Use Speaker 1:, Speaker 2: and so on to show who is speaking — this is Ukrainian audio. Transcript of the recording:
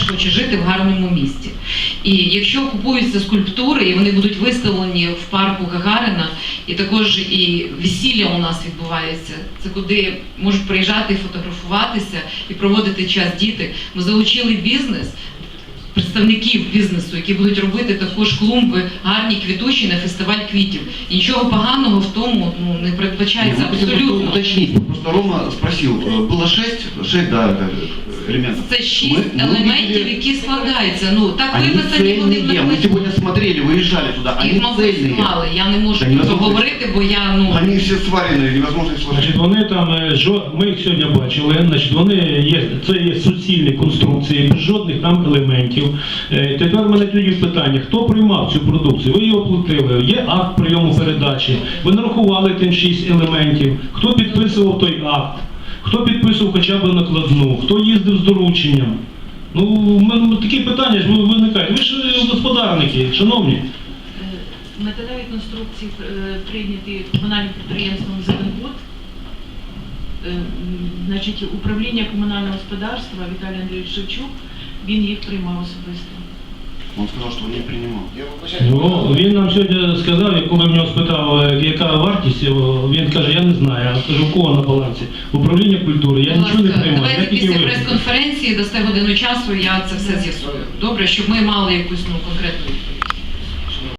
Speaker 1: хоче жити в гарному місті. І якщо купуються скульптури, і вони будуть виставлені в парку Гагаріна, і також і весілля у нас відбувається, це куди можуть приїжджати і фотографуватися, і проводити час діти. Ми залучили бізнес, представників бізнесу, які будуть робити також клумби гарні, квітучі на фестиваль квітів. І нічого поганого в тому не передбачається абсолютно.
Speaker 2: Уточнить, просто Рома спросил, было 6 элементов.
Speaker 1: Це 6 елементів, які складаються. Ну, так
Speaker 2: Они
Speaker 1: виписані вони в
Speaker 2: цельные, мы сегодня смотрели, выезжали туда, они
Speaker 1: їх, мабуть,
Speaker 2: цельные.
Speaker 1: мали. Я не можу
Speaker 2: Та
Speaker 1: про це
Speaker 2: невозможно.
Speaker 1: говорити, бо я,
Speaker 2: Они все свареные, невозможно их сложить.
Speaker 3: Значить, вони там, ми їх сьогодні бачили, значить, вони є, це є суцільні конструкції, без жодних там елементів. Тепер в мене тоді питання, хто приймав цю продукцію? Ви його платили, є акт прийому передачі, ви нарахували тим 6 елементів, хто підписував той акт, хто підписував хоча б накладну, хто їздив з дорученням. Ну, в мене такі питання ж виникають. Ви ж господарники, шановні.
Speaker 4: Методові конструкції прийняті комунальним підприємством «Зеленбуд». Значить, управління комунального господарства Віталій Андрійович Шевчук, він їх приймав особисто.
Speaker 2: Он сказал, что он не принимал.
Speaker 3: Ну, він нам сьогодні сказав, коли в нього спитав, яка вартість, він каже, я не знаю. Я кажу, у кого на балансі? Управління культури, я нічого не приймаю.
Speaker 1: Давайте після прес-конференції дасте годину часу, я це все з'ясую. Добре, щоб ми мали якусь конкретну відповідь.